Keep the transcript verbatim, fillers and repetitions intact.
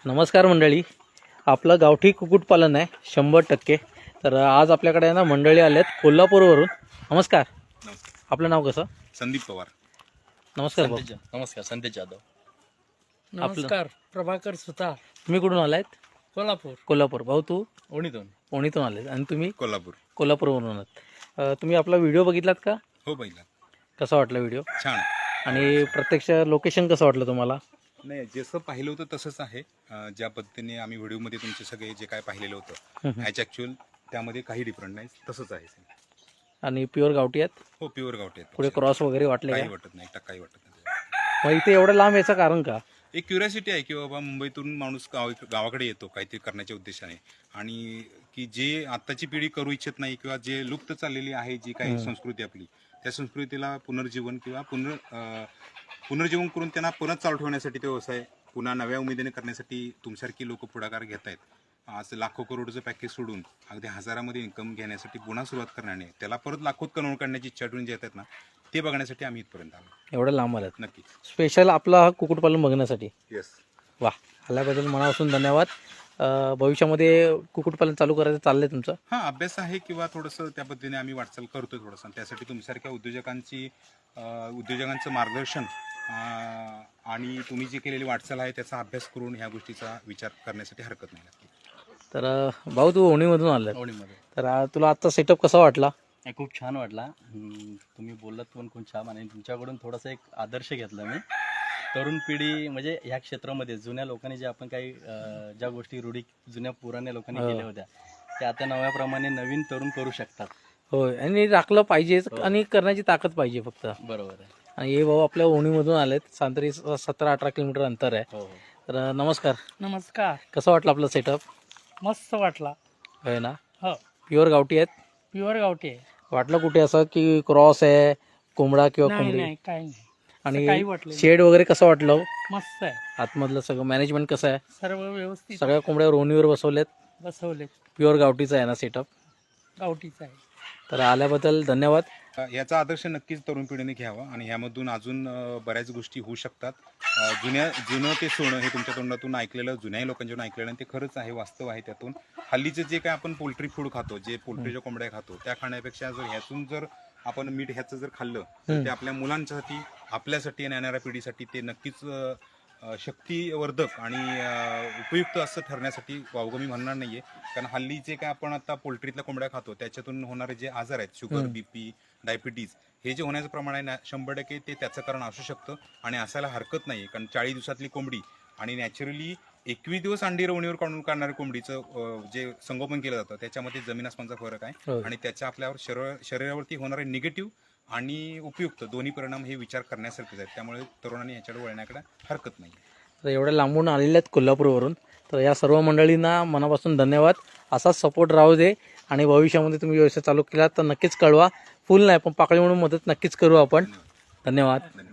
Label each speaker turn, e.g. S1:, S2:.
S1: नमस्कार मंडळी, आपलं गावठी कुक्कुटपालन आहे शंभर टक्के. तर आज आपल्याकडे ना मंडळी आलेत कोल्हापूरवरून. नमस्कार,
S2: नमस्कार.
S1: आपलं नाव कसं?
S2: संदीप पवार.
S1: नमस्कार भाऊ.
S3: नमस्कार, संदेश जाधव.
S4: नमस्कार, प्रभाकर सुतार,
S1: तुम्ही कुठून आलात?
S4: कोल्हापूर.
S1: कोल्हापूर. भाऊ तू
S3: ओणीतून.
S1: पुणेतून आलेत आणि तुम्ही
S2: कोल्हापूर.
S1: कोल्हापूरवरून आलात. अ, तुम्ही आपला व्हिडिओ बघितलात का?
S2: हो पहिला.
S1: कसा वाटला व्हिडिओ?
S2: छान.
S1: आणि प्रत्यक्ष लोकेशन कसं वाटलं तुम्हाला?
S2: नाही, जसं पाहिलं होतं तसंच आहे. अं, ज्या पद्धतीने आम्ही व्हिडिओमध्ये तुमचे सगळे जे काय पाहिलेलं होतं ह्याच ॲक्च्युअल त्यामध्ये काही डिफरंट नाही, तसंच आहे.
S1: आणि प्युअर गावठी आहेत?
S2: हो, प्युअर गावठी आहेत.
S1: पुढे क्रॉस वगैरे वाटले
S2: काही
S1: का?
S2: वाटत नाही, काही वाटत नाही.
S1: मग इथे एवढं लांब याचं कारण का?
S2: एक क्युरियोसिटी आहे की बाबा मुंबईतून माणूस गाव गावाकडे येतो काहीतरी करण्याच्या उद्देशाने, आणि की जे आत्ताची पिढी करू इच्छित नाही किंवा जे लुप्त चाललेली आहे जी काही संस्कृती आपली, त्या संस्कृतीला पुनर्जीवन किंवा पुनर् अं, पुनर्जीवन करून त्यांना परत चालू ठेवण्यासाठी ते व्यवसाय पुन्हा नव्या उमेदीने करण्यासाठी तुमसारखी लोक पुढाकार घेत आहेत. आज लाखो करोडचं पॅकेज सोडून अगदी हजारामध्ये इन्कम घेण्यासाठी पुन्हा सुरुवात करण्याने त्याला परत लाखोत कन्वर्ट करण्याची इच्छा ठेवून जे येतात ना, ते बघण्यासाठी आम्ही इथपर्यंत आलो.
S1: एवढं लांब आलात
S2: नक्कीच.
S1: स्पेशल आपला हा कुक्कुटपालन बघण्यासाठी?
S2: येस.
S1: वा, आल्याबद्दल मनापासून धन्यवाद. अ, भविष्यामध्ये कुक्कुटपालन चालू करायचं चाललंय तुमचं?
S2: हा, अभ्यास आहे किंवा थोडंसं त्या पद्धतीने आम्ही वाटचाल करतोय थोडंसं. त्यासाठी तुमच्यासारख्या उद्योजकांची अं, उद्योजकांचं मार्गदर्शन अं, आणि तुम्ही जी केलेली वाटचाल आहे त्याचा अभ्यास करून ह्या गोष्टीचा विचार करण्यासाठी हरकत नाही.
S1: तर अ, भाऊ तू ओणीमधून आलाय,
S3: ओणीमध्ये.
S1: तर अ, तुला आजचा सेटअप कसा वाटला?
S3: नाही, खूप छान वाटला. हम्म, तुम्ही बोललात पण खूप छान, आणि तुमच्याकडून थोडासा एक आदर्श घेतला मी. तरुण पिढी म्हणजे ह्या क्षेत्रामध्ये जुन्या लोकांनी जे आपण काही अं, ज्या गोष्टी रूढी जुन्या पुराण्या लोकांनी
S1: हो.
S3: केल्या होत्या त्या आता नव्याप्रमाणे नवीन तरुण करू शकतात.
S1: होय, आणि राखलं पाहिजेच आणि करण्याची ताकद पाहिजे फक्त.
S3: बरोबर आहे.
S1: आणि हे भाऊ आपल्या ओणीमधून आलेत. साधारण सतरा अठरा किलोमीटर अंतर आहे.
S3: हो हो.
S1: तर अ, नमस्कार,
S4: नमस्कार.
S1: कसं वाटलं आपलं सेटअप?
S4: मस्त वाटला.
S1: होय ना,
S4: हो,
S1: प्युअर गावठी आहेत?
S4: प्युअर गावठी आहे.
S1: वाटलं कुठे असं की क्रॉस आहे, कोंबडा किंवा
S4: नाही
S1: कोंबडी?
S4: नाही, काही नाही. असं काही
S1: आणि
S4: वाटलं नाही.
S1: शेड वगैरे कसं वाटलं?
S4: मस्त आहे,
S1: आतमधलं सगळं मॅनेजमेंट कसं आहे?
S4: सर्व व्यवस्थित
S1: सगळ्या कोंबड्या ओणीवर बसवल्यात?
S4: बसवले.
S1: प्युअर गावठीचं आहे ना सेटअप?
S4: गावठीच आहे.
S1: तर आल्याबद्दल धन्यवाद.
S2: अ, याचा आदर्श नक्कीच तरुण पिढीने घ्यावा आणि ह्यामधून अजून अ, बऱ्याच गोष्टी होऊ शकतात. अ, जुन्या जुनं ते सोनं हे तुमच्या तोंडातून ऐकलेलं, जुन्याही लोकांच्याकडून ऐकलेलं, आणि ते खरंच आहे, वास्तव आहे. त्यातून हल्लीचं जे काय आपण पोल्ट्री फूड खातो, जे पोल्ट्रीच्या कोंबड्या खातो, त्या खाण्यापेक्षा जर ह्यातून जर आपण मीठ ह्याचं जर खाल्लं तर ते आपल्या मुलांसाठी, आपल्यासाठी आणि येणाऱ्या पिढीसाठी ते नक्कीच अ, अ, शक्तिवर्धक आणि अ, उपयुक्त असं ठरण्यासाठी वावगं मी म्हणणार नाहीये. कारण हल्ली जे काय आपण आता पोल्ट्रीतल्या कोंबड्या खातो त्याच्यातून होणारे जे आजार आहेत, शुगर, बीपी, डायबिटीज, हे जे होण्याचं प्रमाण आहे ना, शंभर टक्के ते त्याचं कारण असू शकतं आणि असायला हरकत नाही. कारण चाळीस दिवसातली कोंबडी आणि नॅचरली एकवीस दिवस अंडी रवणीवर काढून काढणाऱ्या कोंबडीचं अ, जे संगोपन केलं जातं त्याच्यामध्ये जमीन आसमानचा फरक आहे.
S1: हो.
S2: आणि त्याच्या आपल्यावर शरीर शरीरावरती होणारे निगेटिव्ह आणि उपयुक्त दोन्ही परिणाम हे विचार करण्यासारखेच आहेत. त्यामुळे तरुणांनी ह्याच्याकडे वळण्याकडे हरकत नाही.
S1: तर एवढ्या लांबून आलेल्या आहेत कोल्हापूरवरून. तर या सर्व मंडळींना मनापासून धन्यवाद. असाच सपोर्ट राहू दे, आणि भविष्यामध्ये तुम्ही व्यवसाय चालू केला तर नक्कीच कळवा. फुल नाही पण पाकळी म्हणून मदत नक्कीच करू आपण. धन्यवाद.
S2: धन्यवाद.